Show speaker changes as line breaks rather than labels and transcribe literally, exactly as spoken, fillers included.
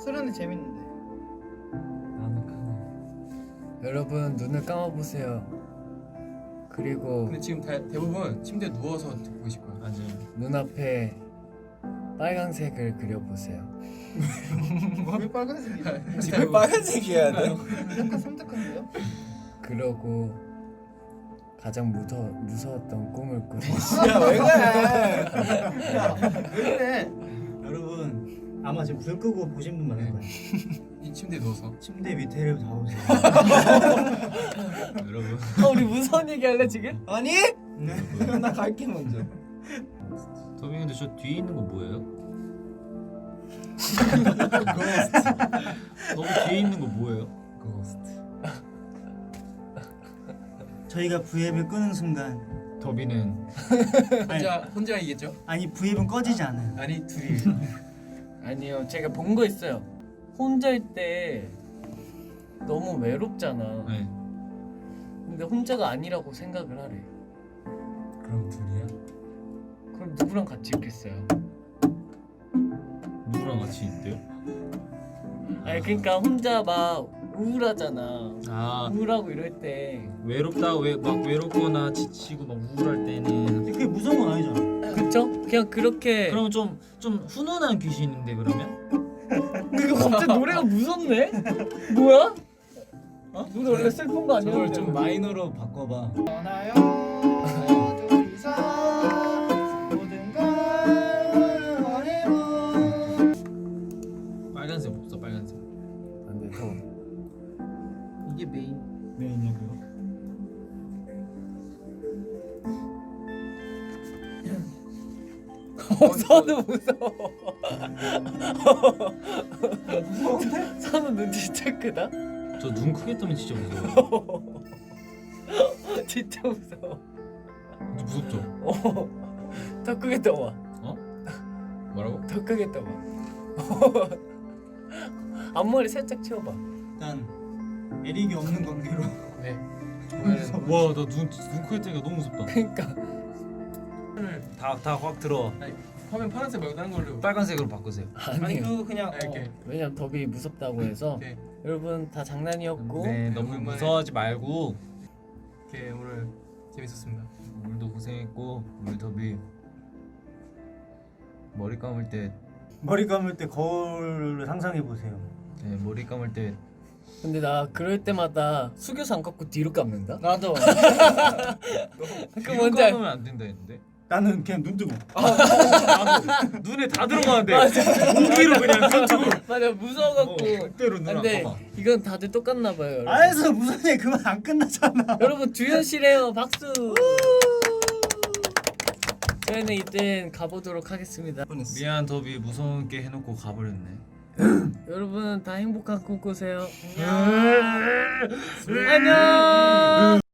서른이 재밌는데.
나는 크네.
여러분 눈을 감아보세요. 그리고
근데 지금 다, 대부분 침대에 누워서 듣고 계실 거야.
맞아.
눈앞에 빨강색을 그려보세요.
왜 빨간색이야?
지금
빨간색이어야 돼?
약간 섬뜩한데요?
그러고 가장 무서, 무서웠던 꿈을 꾸세요.
야왜 그래?
왜 그래?
여러분 아마 지금 불 끄고 보신 분 많을 거예요.
이 침대에 누워서
침대 밑에를 다 보세요.
여러분.
아, 우리 무서운 얘기 할래 지금?
아니?
네.
나 갈게 먼저. 더비 근데 저 뒤에 있는 거 뭐예요? 고스트. 더비 뒤에 있는 거 뭐예요? 고스트.
저희가 V앱을 끄는 순간
더비는
혼자 혼자 이겠죠?
아니 V앱은 꺼지지 않아요.
아니 둘이.
아니요, 제가 본 거 있어요. 혼자일 때 너무 외롭잖아.
네.
근데 혼자가 아니라고 생각을 하래.
그럼 둘이야?
그럼 누구랑 같이 있겠어요?
누구랑 같이 있대요?
아니 그러니까 혼자 막 우울하잖아.
아
우울하고 이럴 때
외롭다 왜 막 외롭거나 지치고 막 우울할 때는
근데 그게 무서운 건 아니잖아.
그쵸? 그냥 그렇게.
그러면 좀 좀 훈훈한 귀신인데 그러면?
그거 갑자기 노래가 무섭네? 뭐야? 어? 노래 원래 슬픈 거 아니야?
저걸 좀 마이너로 바꿔봐.
떠나요 둘이서 모든 걸 버리고.
빨간색 없어 빨간색.
안돼 더.
이게 메인.
메인이고요.
어, 선우 무서워. 무서운데? 선우 눈 진짜 크다?
저 눈 크게 뜨면 진짜 무서워.
진짜 무서워.
진짜 무섭죠?
어, 더 크게 떠봐.
어? 뭐라고?
더 크게 떠봐. 앞머리 살짝 채워봐.
일단 에릭이 없는 관계로
네.
와 나 눈 눈 크게 뜨니까 너무 무섭다.
그러니까
다다 확 들어.
아니, 화면 파란색 말고 다른 걸로.
빨간색으로 바꾸세요.
아니
아니요.
그 그냥
아, 이렇게.
왜냐면 더비 무섭다고 해서
오케이.
여러분 다 장난이었고
네 너무
오랜만에.
무서워하지 말고.
이렇게 오늘 재밌었습니다.
오늘도 고생했고 우리 더비 머리 감을 때
머리 감을 때 거울을 상상해 보세요.
네, 머리 감을 때
근데 나 그럴 때마다 숙여서 안 깎고 뒤로 감는다?
나도.
그
뒤로
뭔지 알...
감으면 안 된다 했는데.
나는 그냥 눈 뜨고.
눈에 다 들어가는데
맞아.
무기로 그냥 눈 뜨고.
맞아 무서워갖고.
그대로 눈 안
근데
감아.
이건 다들 똑같나 봐요 여러분.
알았어 무슨 애 그만 안 끝나잖아.
여러분 두현씨래요 박수. 저희는 이제 가보도록 하겠습니다.
미안 더비 무서운 게 해놓고 가버렸네.
여러분 다 행복한 꿈 꾸세요. 안녕. 안녕.